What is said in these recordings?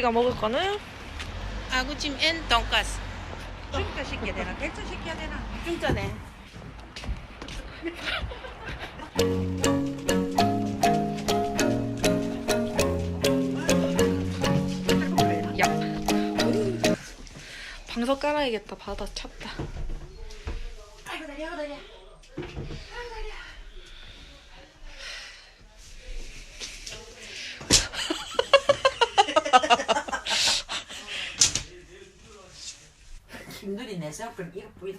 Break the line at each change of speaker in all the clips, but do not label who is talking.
우리가 먹을 거는
아구찜 앤 돈가스.
중짜 시켜야 되나? 대짜 시켜야 되나?
중짜네.
야. 방석 깔아야겠다. 바다 찼다.
아이고 다리 아이고 다리. 김누리 내 생각을 이거 보이다.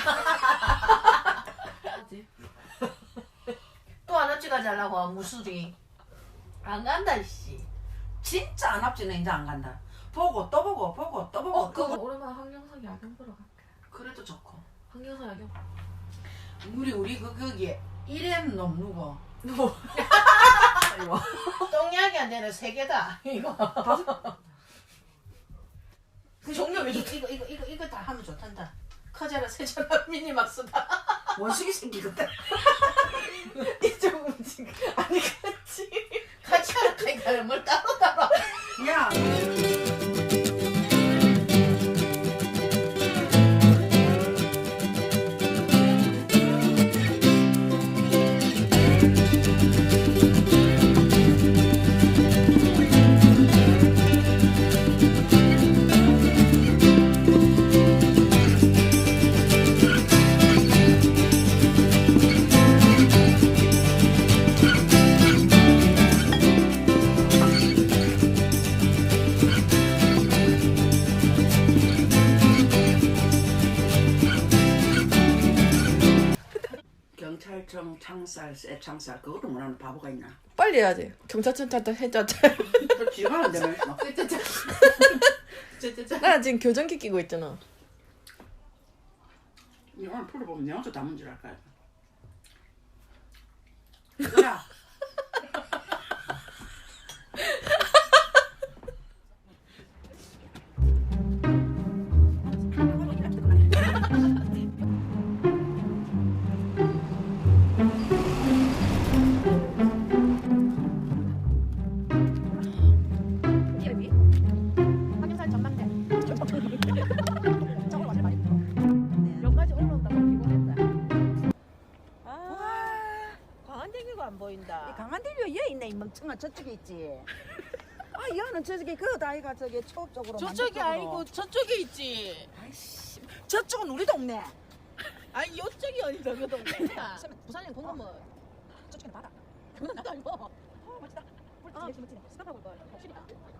또 안 합지 가자려고 무술이 안 간다 씨. 진짜 안 합지는 이제 안 간다. 보고 또 보고 보고 또 보고.
그거 오랜만에 황경석 야경 보러 갈게.
그래도 좋고.
황경석 야경.
우리 거기에 1엔 놈 누구?
똥약이 안 되는 세 개다. 이거.
그 종류 왜 좋지?
이거 다 하면 좋단다. 커져라 세져라 미니막스다.
원숭이 생기거든.
이쪽 움직. 아니 같이 하라 뭘 따로 따로.
야. 경찰청 창살, 새 창살 그것도 못하는 바보가 있나?
빨리 해야지. 경찰청 찾다 해자자.
그 지가 안 되면
나 지금 교정기 끼고 있잖아.
이 오늘 풀어보면 내 혼자 다 문제를 할까? 야.
황경산 전망대. 저걸 완전 많이 들어. 여기까지 올라온다고 피곤했다.
광안대교가 안 보인다.
강한대교 얘 있네 이 멍청아 저쪽에 있지. 아 얘는 저쪽에 그거다 아이가 저기 초업 쪽으로.
저쪽이 아니고 저쪽에 있지.
아이씨 저쪽은 우리 동네.
아니 요쪽이 어디서 그 동네야.
부산행 공무원. 저쪽에는 바다. 그건 나도 알고. 멋지다. 멋지네 멋지네. 스탑하고 이거 확실이다.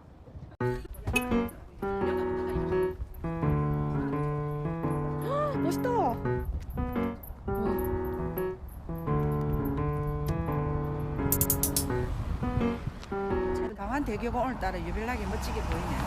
멋있다.
강한대교가 오늘따라 유별나게 멋지게 보이네.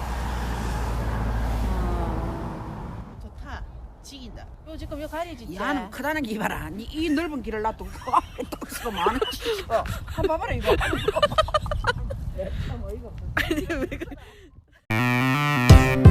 좋다. 지긴다. 요 지금 요 가려지지.
야는 크다는 게 이봐라. 이 넓은 길을 놔두고 그 앞에 또 있어 많은 짓이야. 한번 봐봐라 이거.
아니 왜 그래?